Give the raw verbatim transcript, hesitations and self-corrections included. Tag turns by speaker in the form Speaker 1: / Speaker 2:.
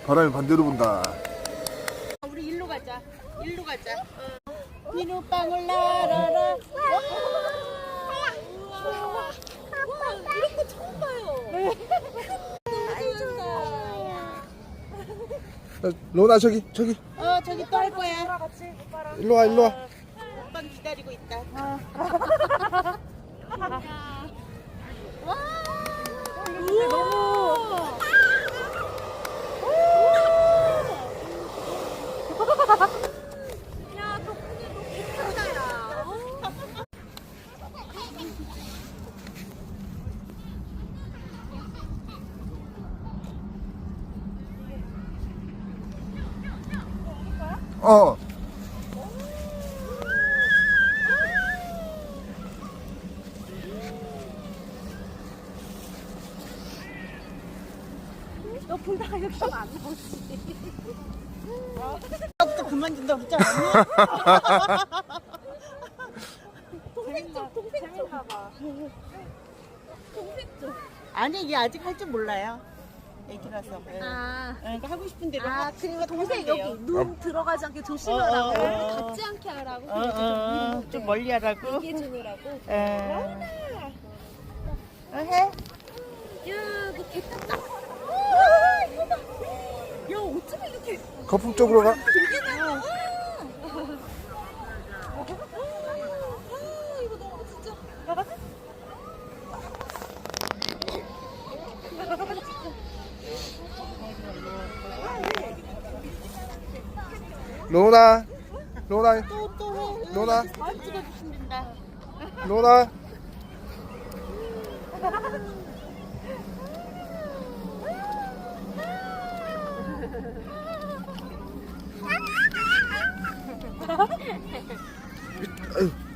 Speaker 1: 바람이 반대로 분다.
Speaker 2: 우리 일로 가자. 일로 가자. 어. 비눗방울 날아라. 우와. 이런 거 처음 봐요. 너무 좋다.
Speaker 1: 로나 저기 저기
Speaker 2: 어 저기 또 할 거야.
Speaker 1: 일로 와 일로 와.
Speaker 2: 오빠는 기다리고 있다. 와. 근데 너무. 야, 덕분에 너무 괜찮다, 야.
Speaker 1: 어.
Speaker 2: 너 불다가 여기 안 나오지. 나부터 그만 준다 그러지 않았니? 동생 쪽, 동생 쪽. 동생 쪽. 아니, 이게 아직 할 줄 몰라요. 애기라서. 예.
Speaker 3: 아,
Speaker 2: 그러니까 하고 싶은 대로
Speaker 3: 아
Speaker 2: 하-
Speaker 3: 그러니까 동생
Speaker 2: 하면 돼요.
Speaker 3: 여기 눈 들어가지 않게 조심하라고
Speaker 2: 어, 어, 어, 어.
Speaker 3: 닿지 않게 하라고
Speaker 2: 어, 어, 어, 좀 멀리 하라고.
Speaker 3: 얘기해 주느라고.
Speaker 2: 예. 어, 해.
Speaker 3: 야, 너 개탔다. 아, 이거 봐. 야, 어쩌면 이렇게
Speaker 1: 거품 쪽으로 가.
Speaker 3: 되게 나와. 아, 이거 너무 진짜.
Speaker 1: 로나 로나
Speaker 2: 또, 또 해.
Speaker 1: 로나
Speaker 2: 사진 찍어주시면 된다.
Speaker 1: 로나. 아유.